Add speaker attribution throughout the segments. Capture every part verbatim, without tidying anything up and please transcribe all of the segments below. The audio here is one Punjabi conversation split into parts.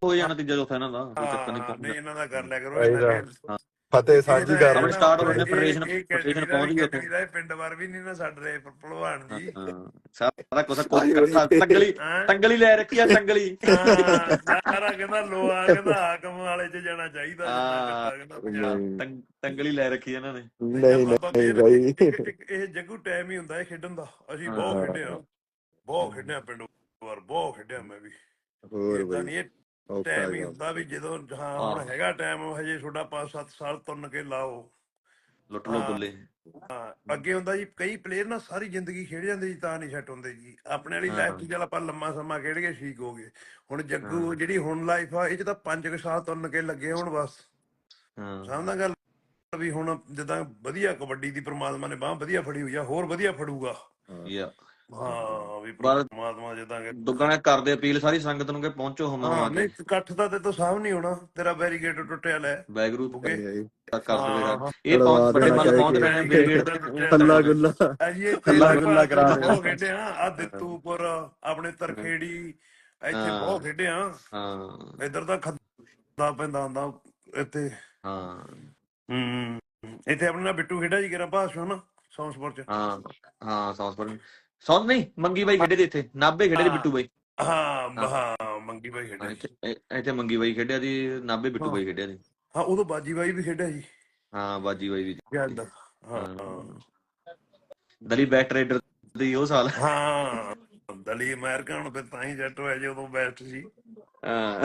Speaker 1: ਹੋ ਜਾਣਾ ਤੀਜਾ ਚੌਥਾ ਇਹਨਾਂ ਦਾ, ਕੋਈ ਚੱਕਰ ਨਹੀਂ
Speaker 2: ਹਾਂ
Speaker 1: ਪਹੁੰਚ
Speaker 2: ਨਹੀਂ
Speaker 1: ਜਾਣਾ।
Speaker 2: ਇਹਨਾਂ ਦਾ ਕਰ ਲਿਆ ਕਰੋ ਇਹਨਾਂ ਖੇਡ।
Speaker 3: ਫਤਿਹ ਸਾਂਝੀ ਕਰ
Speaker 1: ਆਪਣੇ
Speaker 3: ਲਓ।
Speaker 1: ਸਟਾਰਟ ਹੋ ਰਹੇ
Speaker 2: ਇਹ
Speaker 1: ਫੈਡਰੇਸ਼ਨ
Speaker 2: ਇਹ
Speaker 1: ਫੈਡਰੇਸ਼ਨ
Speaker 2: ਕੈਟੇਗਰੀ ਦਾ
Speaker 1: ਪਹੁੰਚ
Speaker 2: ਵੀ
Speaker 1: ਗਈ ਉੱਥੇ।
Speaker 2: ਕੈਟੇਗਰੀ ਦਾ ਪਿੰਡ ਵਾਰ ਵੀ ਨਹੀਂ ਨਾ ਛੱਡ ਰਹੇ ਭਲਵਾਨ ਜੀ।
Speaker 1: ਹਾਂ ਸਾਰਾ ਕੁਛ
Speaker 3: ਆਈ ਹੋਈ।
Speaker 1: ਤੰਗਲੀ
Speaker 2: ਹੈਂ?
Speaker 1: ਤੰਗਲੀ ਲੈ ਰੱਖੀ ਆ ਟੰਗਲੀ।
Speaker 2: ਹਾਂ ਸਾਰਾ ਕਹਿੰਦਾ ਲੋਹਾ ਕਹਿੰਦਾ ਹਾਕਮ ਵਾਲੇ ਚ ਜਾਣਾ ਚਾਹੀਦਾ ਜਿੰਨਾ
Speaker 1: ਹਾਂ
Speaker 2: ਕੱਟਾ ਕਹਿੰਦਾ ਪੰਜਾਬ।
Speaker 3: ਨਹੀਂ
Speaker 1: ਤੰਗ- ਤੰਗਲੀ ਲੈ ਰੱਖੀ ਇਹਨਾਂ ਨੇ।
Speaker 3: ਨਹੀਂ
Speaker 2: ਬਾਬਾ
Speaker 3: ਨਹੀਂ
Speaker 2: ਮੇਰ
Speaker 3: ਬਾਈ।
Speaker 2: ਇੱਕ- ਇੱਕ ਇਹ ਜੱਗੂ ਟਾਈਮ ਹੀ ਹੁੰਦਾ ਹੈ ਖੇਡਣ ਦਾ। ਅਸੀਂ ਬਹੁਤ
Speaker 1: ਹਾਂ।
Speaker 2: ਖੇਡਿਆ ਬਹੁਤ ਖੇਡਿਆ ਪਿੰਡ ਵਾਰ ਬਹੁਤ ਖੇਡਿਆ ਮੈਂ ਵੀ।
Speaker 3: ਹੋਰ
Speaker 2: ਏਦਾਂ
Speaker 3: ਬਾਈ
Speaker 2: ਨਹੀਂ ਇਹ
Speaker 3: ਔਖਾ
Speaker 2: ਟਾਈਮ ਹੀ
Speaker 3: ਕੰਮ।
Speaker 2: ਹੁੰਦਾ ਵੀ ਜਦੋਂ ਹਾਂ ਹੁਣ
Speaker 1: ਹਾਂ।
Speaker 2: ਹੈਗਾ ਟਾਈਮ ਹਜੇ ਤੁਹਾਡਾ ਪੰਜ ਸੱਤ ਸਾਲ ਤੁੰਨ ਕੇ ਲਾਓ।
Speaker 1: ਲੁੱਟ ਲੋ ਬੁੱਲੇ।
Speaker 2: ਹਾਂ ਅੱਗੇ ਹੁੰਦਾ ਜੀ ਕਈ ਪਲੇਅਰ ਨਾ ਸਾਰੀ ਜ਼ਿੰਦਗੀ ਖੇਡ ਜਾਂਦੇ ਜੀ ਤਾਂ ਨਹੀਂ ਸੈੱਟ ਹੁੰਦੇ ਜੀ। ਆਪਣੇ ਵਾਲੀ
Speaker 1: ਹਾਂ।
Speaker 2: ਲਾਈਫ 'ਚ ਚੱਲ ਆਪਾਂ ਲੰਮਾ ਸਮਾਂ ਖੇਡ ਕੇ ਠੀਕ ਹੋ ਗਏ। ਹੁਣ ਜੱਗੂ
Speaker 1: ਹਾਂ।
Speaker 2: ਜਿਹੜੀ ਹੁਣ ਲਾਈਫ ਆ ਇਹ 'ਚ ਤਾਂ ਪੰਜ ਕੁ ਸਾਲ ਤੁੰਨ ਕੇ ਲੱਗੇ ਹੁਣ ਬਸ।
Speaker 1: ਹਾਂ
Speaker 2: ਸਮਝਦਾ ਗੱਲ ਵੀ ਹੁਣ ਜਿੱਦਾਂ ਵਧੀਆ ਕਬੱਡੀ ਦੀ ਪ੍ਰਮਾਤਮਾ ਨੇ ਬਾਂਹ ਵਧੀਆ ਫੜੀ ਹੋਈ ਆ ਹੋਰ ਵਧੀਆ ਫੜੂਗਾ।
Speaker 1: ਯਾ
Speaker 2: ਹਾਂ ਵੀ
Speaker 1: ਪਰ
Speaker 2: ਪ੍ਰਮਾਤਮਾ ਜਿੱਦਾਂ ਕਿ
Speaker 1: ਦੁੱਗਣਾ ਕਰਦੇ ਅਪੀਲ ਸਾਰੀ ਸੰਗਤ ਨੂੰ ਕਿ ਪਹੁੰਚੋ ਹਮਾ
Speaker 2: ਹਾਂ
Speaker 1: ਹਮਾ
Speaker 2: ਨਹੀਂ
Speaker 1: ਕੇ।
Speaker 2: ਇਕੱਠ ਦਾ ਤੇ ਤੋਂ ਸਾਹਮ ਨਹੀਂ ਹੋਣਾ ਤੇਰਾ ਬੈਰੀਗੇਟ ਟੁੱਟਿਆ ਲੈ
Speaker 1: ਵੈਗਰੂ
Speaker 2: ਬੁੱਗੇ।
Speaker 1: ਕਰ ਦੇਵੇ
Speaker 2: ਹਾਂ
Speaker 1: ਗੱਲ। ਇਹ ਪਹੁੰਚ ਬੜੇ ਮੱਲ ਪਹੁੰਚ ਰਹੇ ਨੇ ਬ੍ਰਿਗੇਡ
Speaker 3: ਹੱਲਾ ਗੁੱਲਾ
Speaker 2: ਅਜੀ
Speaker 1: ਹੱਲਾ ਗੁੱਲਾ
Speaker 3: ਕਰਾ ਰਹੇ
Speaker 2: ਬਹੁਤ ਖੇਡੇ ਆ ਆ ਦਿੱਤੂਪੁਰ ਆਪਣੇ ਤਰਖੇੜੀ ਇੱਥੇ ਬਹੁਤ ਖੇਡੇ ਆ।
Speaker 1: ਹਾਂ
Speaker 2: ਇੱਧਰ ਤਾਂ ਖੱਦਾ ਪੈਂਦਾ ਹੁੰਦਾ ਇੱਥੇ।
Speaker 1: ਹਾਂ
Speaker 2: ਹੂੰ ਇੱਥੇ ਆਪਣੇ ਨਾਲ ਬਿੱਟੂ ਖੇਡਿਆ ਜੀ ਕਿਰਾ ਭਾਸ਼ੋ ਨਾ ਸੌਂਸਪੁਰ ਚ।
Speaker 1: ਹਾਂ ਹਾਂ ਸੌਂਸਪੁਰ ਸੌਂਸ ਨਹੀਂ ਮੰਗੀ ਬਾਈ ਖੇਡੇ ਦੇ ਇੱਥੇ ਨਾਭੇ ਖੇਡੇ ਦੇ ਬਿੱਟੂ ਬਾਈ।
Speaker 2: ਹਾਂ ਹਾਂ ਮੰਗੀ ਬਾਈ ਖੇਡਿਆ ਜੀ।
Speaker 1: ਇੱਥੇ ਇੱਥੇ ਮੰਗੀ ਬਾਈ ਖੇਡਿਆ ਦੀ ਨਾਭੇ ਬਿੱਟੂ ਬਾਈ ਖੇਡਿਆ ਦੀ।
Speaker 2: ਹਾਂ ਉਦੋਂ ਬਾਜੀ ਬਾਈ ਵੀ ਖੇਡਿਆ ਜੀ।
Speaker 1: ਹਾਂ ਬਾਜੀ ਬਾਈ ਵੀ।
Speaker 2: ਯਾਦ ਹਾਂ
Speaker 1: ਦਲੀ ਬੈਟ ਰੇਡਰ ਦੀ ਉਹ ਸਾਲ।
Speaker 2: ਹਾਂ ਦਲੀ ਅਮਰੀਕਾ ਹੁਣ ਫਿਰ ਤਾਂ ਹੀ ਜੱਟ ਹੋਇਆ ਜੀ ਉਦੋਂ ਬੈਸਟ ਸੀ।
Speaker 1: ਹਾਂ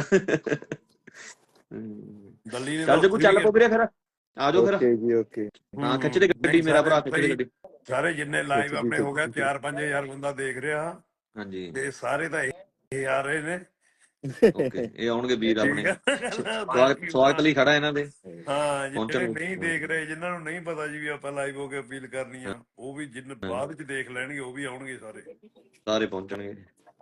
Speaker 2: ਦਲੀ ਨੇ
Speaker 1: ਚੱਲ ਜੇ ਕੋਈ ਚੱਲ ਪੋ ਵੀਰੇ ਫਿਰ ਆ ਜਾਓ ਫਿਰ।
Speaker 3: ਓਕੇ ਜੀ ਓਕੇ।
Speaker 1: ਹਾਂ ਖਿੱਚ ਦੇ ਗੱਡੀ ਮੇਰਾ ਭਰਾ ਖਿੱਚ ਦੇ ਗੱਡੀ।
Speaker 2: ਸਾਰੇ ਜਿੰਨੇ ਲਾਈਵ ਆਪਣੇ ਹੋ ਗਿਆ ਚਾਰ ਪੰਜ ਹਜ਼ਾਰ ਬੰਦਾ ਦੇਖ ਰਿਹਾ
Speaker 1: ਹਾਂਜੀ
Speaker 2: ਤੇ ਸਾਰੇ ਤਾਂ ਇਹ ਆ ਰਹੇ ਨੇ।
Speaker 1: ਓਕੇ ਇਹ ਆਉਣਗੇ ਵੀਰ ਆਪਣੇ। ਸਵਾਗਤ
Speaker 2: ਬਾਕੀ
Speaker 1: ਸਵਾਗਤ ਲਈ ਖੜਾ ਇਹਨਾਂ ਦੇ।
Speaker 2: ਹਾਂ
Speaker 1: ਪਹੁੰਚਣ
Speaker 2: ਜਿਹੜੇ
Speaker 1: ਨੂੰ।
Speaker 2: ਨਹੀਂ ਦੇਖ ਰਹੇ ਜਿਨ੍ਹਾਂ ਨੂੰ ਨਹੀਂ ਪਤਾ ਜੀ ਵੀ ਆਪਾਂ ਲਾਈਵ ਹੋ ਕੇ ਅਪੀਲ ਕਰਨੀ ਆ ਉਹ ਵੀ ਜਿੰਨ ਬਾਅਦ ਚ ਦੇਖ ਲੈਣਗੇ ਉਹ ਵੀ ਆਉਣਗੇ ਸਾਰੇ।
Speaker 1: ਸਾਰੇ ਪਹੁੰਚਣਗੇ।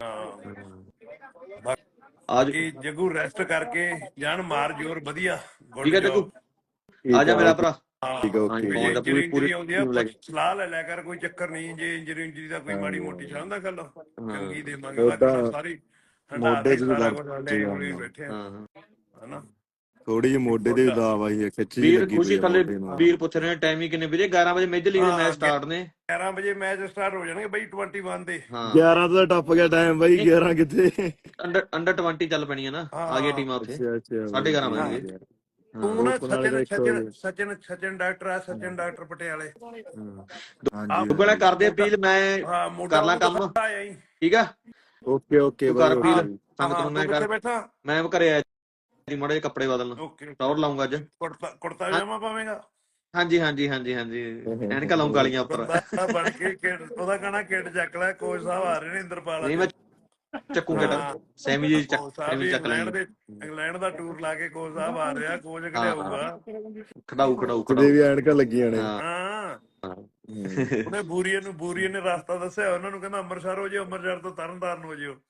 Speaker 2: ਹਾਂ
Speaker 1: ਆਜ
Speaker 2: ਬਾਕੀ ਜੱਗੂ ਰੈਸਟ ਕਰਕੇ ਜਾਨ ਮਾਰ ਜੋਰ ਵਧੀਆ।
Speaker 1: ਠੀਕ ਹੈ ਜੱਗੂ ਆ ਜਾ ਮੇਰਾ ਭਰਾ।
Speaker 3: ਠੀਕ ਹੈ ਓਕੇ।
Speaker 1: ਪੂਰੀ ਪੂਰੀ
Speaker 2: ਆਉਂਦੀ ਆ ਸਲਾਹ ਲੈ ਲਿਆ ਕਰ ਕੋਈ ਚੱਕਰ ਨਹੀਂ ਜੇ ਇੰਜਰੀ ਇੰਜਰੀ ਦਾ ਕੋਈ ਮਾੜੀ ਮੋਟੀ ਸਮਝਦਾ ਗੱਲ ਚੰਗੀ ਦੇਵਾਂਗੇ ਬਾਕੀ ਸਾਰੀ
Speaker 3: ਮੋਢੇ ਚ ਵੀ
Speaker 2: ਸਾਰਾ
Speaker 3: ਦਰਦ
Speaker 2: ਕੁਝ ਹੰਡੇ ਹੋਲੀ ਬੈਠੇ ਆ ਹਨਾ।
Speaker 3: ਥੋੜੀ ਜਿਹੀ ਮੋਢੇ ਤੇ ਦਬਾਅ ਆਈ ਹੈ ਖਿੱਚੀ
Speaker 1: ਵੀਰ
Speaker 3: ਲੱਗੀ
Speaker 1: ਖੁਸ਼ੀ
Speaker 3: ਪਈ
Speaker 1: ਥੱਲੇ
Speaker 3: ਮੋਢੇ ਨਾਲ।
Speaker 1: ਵੀਰ ਪੁੱਛ ਰਹੇ ਨੇ ਟਾਈਮਿੰਗ ਕਿੰਨੇ ਵੀਰੇ ਗਿਆਰਾਂ ਵਜੇ ਮੇਜਰ ਲੀਗ ਦੇ ਮੈਚ ਸਟਾਰਟ ਨੇ।
Speaker 2: ਗਿਆਰਾਂ ਵਜੇ ਮੈਚ ਸਟਾਰਟ ਹੋ ਜਾਣਗੇ ਬਈ ਇਕੱਤੀ ਦੇ।
Speaker 3: ਗਿਆਰਾਂ ਤੋਂ ਟੱਪ ਗਿਆ ਟਾਈਮ ਬਾਈ ਗਿਆਰਾਂ ਕਿੱਥੇ।
Speaker 1: ਅੰਡਰ ਅੰਡਰ ਵੀਹ ਚੱਲ ਪੈਣੀ ਹੈ ਨਾ ਆ ਗਈ ਟੀਮਾਂ ਉੱਥੇ ਸਾਢੇ ਗਿਆਰਾਂ ਵਜੇ।
Speaker 2: ਤੂੰ ਨਾ ਸਚਿਨ ਸਚਿਨ ਸਚਿਨ ਸਚਿਨ ਡਾਕਟਰ ਆ ਸਚਿਨ ਡਾਕਟਰ ਪਟਿਆਲੇ।
Speaker 1: ਦੁੱਗਣਾ ਕਰਦੇ ਅਪੀਲ ਮੈਂ ਕਰ ਲਾਂ ਕੰਮ ਠੀਕ ਆ।
Speaker 3: ਓਕੇ ਓਕੇ
Speaker 1: ਕਰ ਅਪੀਲ
Speaker 3: ਬਾਈ।
Speaker 1: ਸੰਗਤ ਨੂੰ ਮੈਂ ਕਰ
Speaker 2: ਬੈਠਾ
Speaker 1: ਮੈਂ ਘਰੇ ਆਇਆ ਜੀ ਮਾੜੇ ਜਿਹੇ ਕੱਪੜੇ ਬਦਲਣ ਟੌਰ ਲਾਉਂਗਾ ਅੱਜ।
Speaker 2: ਕੁੜਤਾ ਕੁੜਤਾ ਪਜਾਮਾ ਪਾਵੇਂਗਾ।
Speaker 1: ਹਾਂਜੀ ਹਾਂਜੀ ਹਾਂਜੀ ਹਾਂਜੀ ਐਨਕਾਂ ਲਾਉਂ ਕਾਲੀਆਂ ਉੱਪਰ।
Speaker 2: ਬਣ ਕੇ ਉਹਦਾ ਕਹਣਾ ਕਿੱਟ ਚੱਕ ਲੈ ਕੋਚ ਸਾਹਿਬ ਆ ਰਹੇ ਨੇ ਇੰਦਰਪਾਲ।
Speaker 1: ਨਹੀਂ ਮੈਂ ਚੱਕੂ ਕਿੱਟ ਸੈਮੀ ਜੀ ਚੱਕ ਚੱਕ
Speaker 2: ਇੰਗਲੈਂਡ ਦੇ ਇੰਗਲੈਂਡ ਦਾ ਟੂਰ ਲਾ ਕੇ ਕੋਚ ਸਾਹਿਬ ਆ ਰਿਹਾ ਕੋਚ ਖੜਾਊਗਾ।
Speaker 1: ਖੜਾਊ ਖੜਾਊ
Speaker 3: ਕਿਤੇ ਵੀ ਐਨਕਾਂ ਲੱਗੀਆਂ ਨੇ।
Speaker 2: ਹਾਂ ਉਹਨੇ ਬੂਰੀਏ ਨੂੰ ਬੂਰੀਏ ਨੇ ਰਸਤਾ ਦੱਸਿਆ ਉਹਨਾਂ ਨੂੰ ਕਹਿੰਦਾ ਅੰਮ੍ਰਿਤਸਰ ਹੋ ਜਿਓ ਅੰਮ੍ਰਿਤਸਰ ਤੋਂ ਤਰਨਤਾਰਨ ਹੋ ਜਿਓ।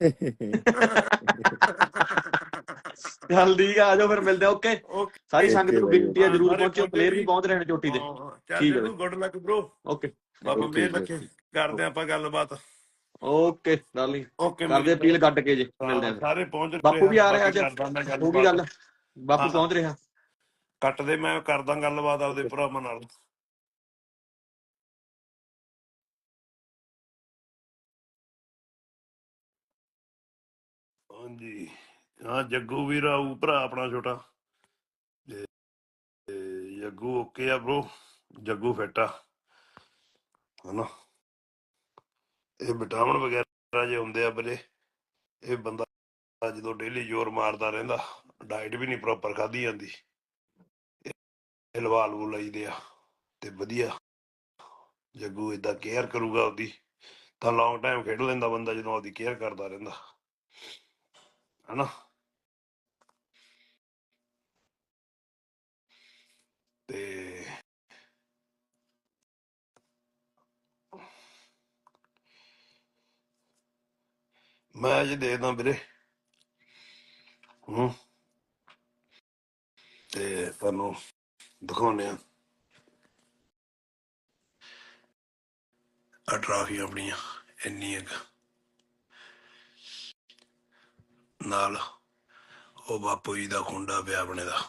Speaker 1: ਚੱਲ ਠੀਕ ਆ ਜਾਓ ਫਿਰ ਮਿਲਦੇ ਆ ਓਕੇ। ਸਾਰੀ ਸੰਗਤ ਨੂੰ ਬੇਨਤੀ ਆ ਜਰੂਰ ਪਹੁੰਚਿਓ ਪਲੇਅਰ ਵੀ ਪਹੁੰਚ ਰਹੇ ਨੇ ਚੋਟੀ ਤੇ।
Speaker 2: ਠੀਕ ਹੈ ਗੁੱਡ ਲੱਕ ਬ్రో।
Speaker 1: ਓਕੇ
Speaker 2: ਬਾਬਾ ਮੇਰ ਰੱਖੇ ਕਰਦੇ ਆਪਾਂ ਗੱਲਬਾਤ।
Speaker 1: ਓਕੇ ਡਾਰਲਿੰਗ ਕਰਦੇ ਅਪੀਲ ਕੱਟ ਕੇ ਜੇ ਮਿਲਦੇ ਆ
Speaker 2: ਸਾਰੇ ਪਹੁੰਚ ਰਹੇ।
Speaker 1: ਬਾਪੂ ਵੀ ਆ ਰਿਹਾ ਅੱਜ ਹੋ ਗਈ ਗੱਲ ਬਾਪੂ ਪਹੁੰਚ ਰਿਹਾ।
Speaker 2: ਕੱਟ ਦੇ ਮੈਂ ਕਰਦਾ ਗੱਲਬਾਤ ਆਪਦੇ ਭਰਾਵਾਂ ਨਾਲ। ਹਾਂਜੀ ਹਾਂ ਜੱਗੂ ਵੀਰ ਆਊ ਭਰਾ ਆਪਣਾ ਛੋਟਾ ਜੱਗੂ ਓਕੇ ਆ ਬ్రో ਜੱਗੂ ਫਿੱਟ ਆ ਹਨਾ। ਇਹ ਵਿਟਾਮਿਨ ਵਗੈਰਾ ਜੇ ਹੁੰਦੇ ਆ ਵੀਰੇ ਇਹ ਬੰਦਾ ਜਦੋਂ ਡੇਲੀ ਜ਼ੋਰ ਮਾਰਦਾ ਰਹਿੰਦਾ ਡਾਈਟ ਵੀ ਨਹੀਂ ਪ੍ਰੋਪਰ ਖਾਧੀ ਜਾਂਦੀ ਇਹ ਲਵਾ ਲਵੂ ਲਈਦੇ ਆ ਤੇ ਵਧੀਆ ਜੱਗੂ ਏਦਾਂ ਕੇਅਰ ਕਰੂਗਾ ਉਹਦੀ ਤਾਂ ਲੌਂਗ ਟਾਈਮ ਖੇਡ ਲੈਂਦਾ ਬੰਦਾ ਜਦੋਂ ਉਹਦੀ ਕੇਅਰ ਕਰਦਾ ਰਹਿੰਦਾ ਹਨਾ। ਤੇ ਮੈਂ ਅੱਜ ਦੇਖਦਾ ਵੀਰੇ ਹੂੰ ਤੇ ਤੁਹਾਨੂੰ ਦਿਖਾਉਂਦੇ ਆ ਆ ਟਰਾਫੀ ਆਪਣੀਆਂ ਇੰਨੀ ਇੱਕ ਨਾਲ ਉਹ ਬਾਪੂ ਜੀ ਦਾ ਖੁੰਡਾ ਪਿਆ ਆਪਣੇ ਦਾ,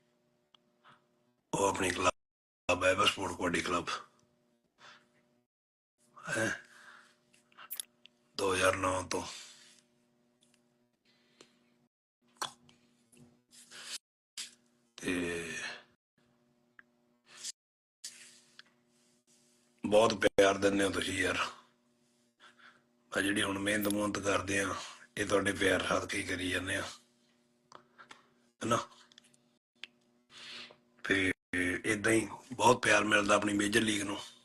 Speaker 2: ਉਹ ਆਪਣੀ ਕਲੱਬ ਹੈ ਸਪੋਰਟ ਕਬੱਡੀ ਕਲੱਬ ਹੈ ਦੋ ਹਜ਼ਾਰ ਨੌ ਤੋਂ। ਤੇ ਬਹੁਤ ਪਿਆਰ ਦਿੰਦੇ ਹੋ ਤੁਸੀਂ ਯਾਰ, ਆ ਜਿਹੜੀ ਹੁਣ ਮਿਹਨਤ ਮੁਹਨਤ ਕਰਦੇ ਆ ਇਹ ਤੁਹਾਡੇ ਪਿਆਰ ਸਦਕੇ ਹੀ ਕਰੀ ਜਾਂਦੇ ਆ ਹਨਾ। ਤੇ ਏਦਾਂ ਹੀ ਬਹੁਤ ਪਿਆਰ ਮਿਲਦਾ ਆਪਣੀ ਮੇਜਰ ਲੀਗ ਨੂੰ।